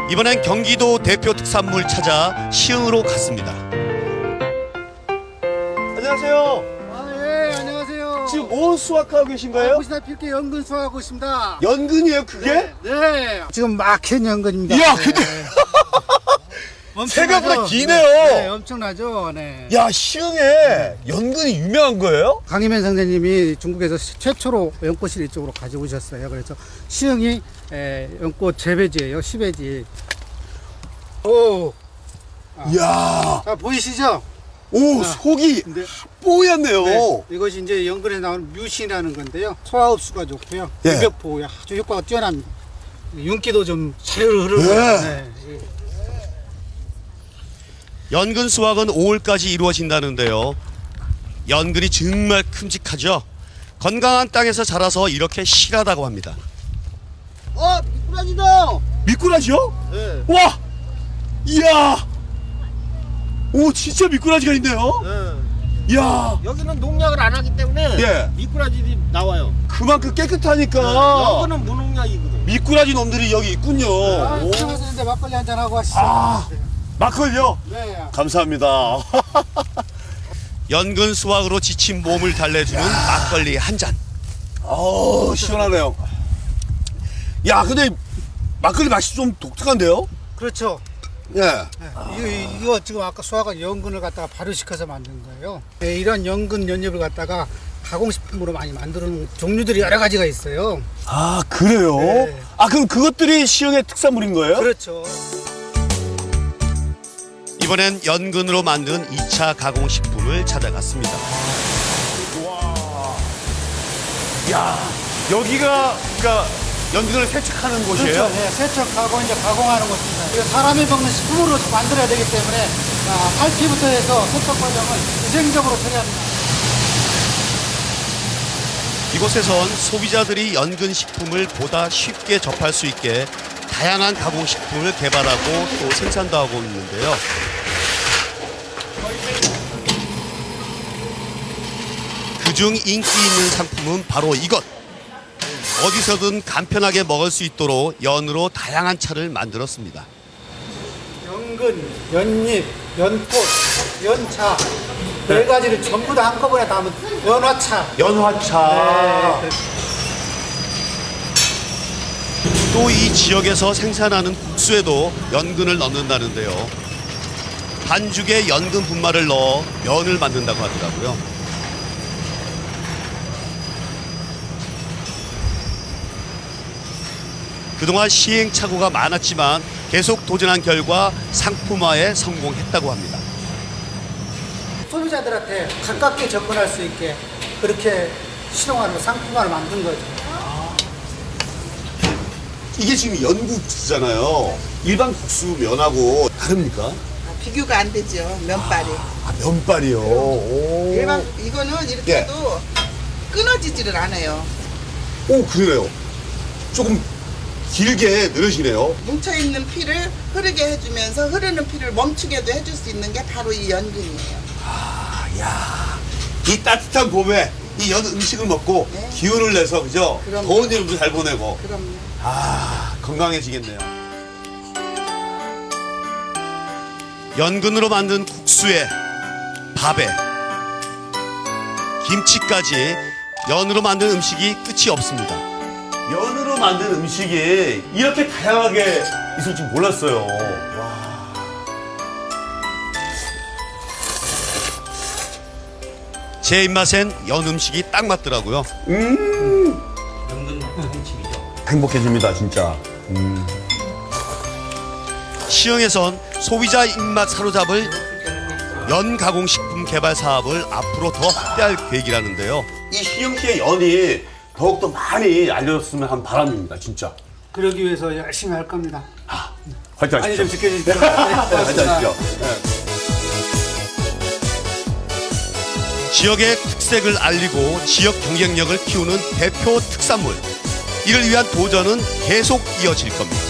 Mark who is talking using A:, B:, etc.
A: 이번엔 경기도 대표 특산물 찾아 시흥으로 갔습니다.
B: 안녕하세요.
C: 예, 안녕하세요.
B: 지금 뭐 수확하고 계신 거예요?
C: 보시다시피 이렇게 연근 수확하고 있습니다.
B: 연근이에요, 그게?
C: 네. 지금 막힌 연근입니다.
B: 이야, 근데 생각보다 기네요.
C: 네, 엄청나죠. 네.
B: 야, 시흥에 연근이 유명한 거예요?
C: 강희면 선생님이 중국에서 최초로 연꽃을 이쪽으로 가지고 오셨어요. 그래서 시흥이 연꽃 재배지예요. 시배지. 오,
B: 이야,
C: 자 보이시죠?
B: 오, 속이
C: 네.
B: 뽀얗네요.
C: 네, 이것이 이제 연근에 나오는 뮤신이라는 건데요. 소화 흡수가 좋고요.
B: 예.
C: 유벽 보호에 아주 효과가 뛰어납니다. 윤기도 좀 잘 흐르고.
B: 네.
C: 네.
A: 연근 수확은 5월까지 이루어진다는데요. 연근이 정말 큼직하죠. 건강한 땅에서 자라서 이렇게 실하다고 합니다.
C: 미꾸라지다.
B: 미꾸라지요?
C: 네.
B: 와, 이야, 오, 진짜 미꾸라지가 있네요.
D: 네.
B: 이야,
D: 여기는 농약을 안 하기 때문에
B: 예.
D: 미꾸라지들이 나와요.
B: 그만큼 깨끗하니까
D: 여기는 무농약이거든.
B: 미꾸라지 놈들이 여기 있군요. 오.
C: 들어가서 막걸리 한잔 하고 하시죠.
B: 아, 막걸리요?
C: 네.
B: 감사합니다.
A: 연근 수확으로 지친 몸을 달래주는 막걸리 한 잔.
B: 어우, 시원하네요. 야, 근데 막걸리 맛이 좀 독특한데요?
C: 그렇죠.
B: 예.
C: 네. 이거 지금 아까 수화가 연근을 갖다가 발효시켜서 만든 거예요. 네, 이런 연근 연잎을 갖다가 가공식품으로 많이 만드는 종류들이 여러 가지가 있어요.
B: 아, 그래요?
C: 네.
B: 아, 그럼 그것들이 시흥의 특산물인 거예요?
C: 그렇죠.
A: 이번엔 연근으로 만든 2차 가공식품을 찾아갔습니다.
B: 야, 여기가 그러니까 연근을 세척하는 곳이에요?
C: 그렇죠. 네, 세척하고 이제 가공하는 것입니다. 이거 사람이 먹는 식품으로 만들어야 되기 때문에 탈피부터 해서 세척 과정을 위생적으로 처리합니다.
A: 이곳에선 소비자들이 연근 식품을 보다 쉽게 접할 수 있게 다양한 가공식품을 개발하고 또 생산도 하고 있는데요. 그중 인기 있는 상품은 바로 이것. 어디서든 간편하게 먹을 수 있도록 연으로 다양한 차를 만들었습니다.
C: 연근, 연잎, 연꽃, 연차 네 가지를 전부 다 한꺼번에 담은 연화차.
B: 연화차.
C: 네.
A: 또 이 지역에서 생산하는 국수에도 연근을 넣는다는데요. 반죽에 연근 분말을 넣어 면을 만든다고 하더라고요. 그동안 시행착오가 많았지만 계속 도전한 결과 상품화에 성공했다고 합니다.
C: 소비자들한테 가깝게 접근할 수 있게 그렇게 실용화로 상품화를 만든 거죠.
B: 이게 지금 연국수잖아요. 일반 국수 면하고 다릅니까?
E: 비교가 안 되죠. 면발이.
B: 아, 면발이요. 오.
E: 일반 이거는 이렇게
B: 예.
E: 해도 끊어지지를 않아요.
B: 오, 그러네요. 조금 길게 늘으시네요.
E: 뭉쳐 있는 피를 흐르게 해주면서 흐르는 피를 멈추게도 해줄 수 있는 게 바로 이 연근이에요.
B: 아, 야, 이 따뜻한 봄에 이 연 음식을 먹고
E: 네.
B: 기운을 내서 그죠?
E: 그럼요.
B: 더운 여름도 잘 보내고
E: 그럼요.
B: 아, 건강해지겠네요.
A: 연근으로 만든 국수에 밥에 김치까지 연으로 만든 음식이 끝이 없습니다.
B: 연으로 만든 음식이 이렇게 다양하게 있을 줄 몰랐어요. 와.
A: 제 입맛엔 연 음식이 딱 맞더라고요.
B: 행복해집니다, 진짜.
A: 시흥에선 소비자 입맛 사로잡을 연 가공식품 개발 사업을 앞으로 더 확대할 계획이라는데요.
B: 이 시흥시의 연이 더욱더 많이 알려졌으면 하는 바람입니다, 진짜.
C: 그러기 위해서 열심히 할 겁니다.
B: 화이팅
C: 많이
B: 하십시오.
C: 좀 지켜주십시오. 네,
B: 화이팅
C: 고맙습니다.
B: 하십시오.
A: 지역의 특색을 알리고 지역 경쟁력을 키우는 대표 특산물. 이를 위한 도전은 계속 이어질 겁니다.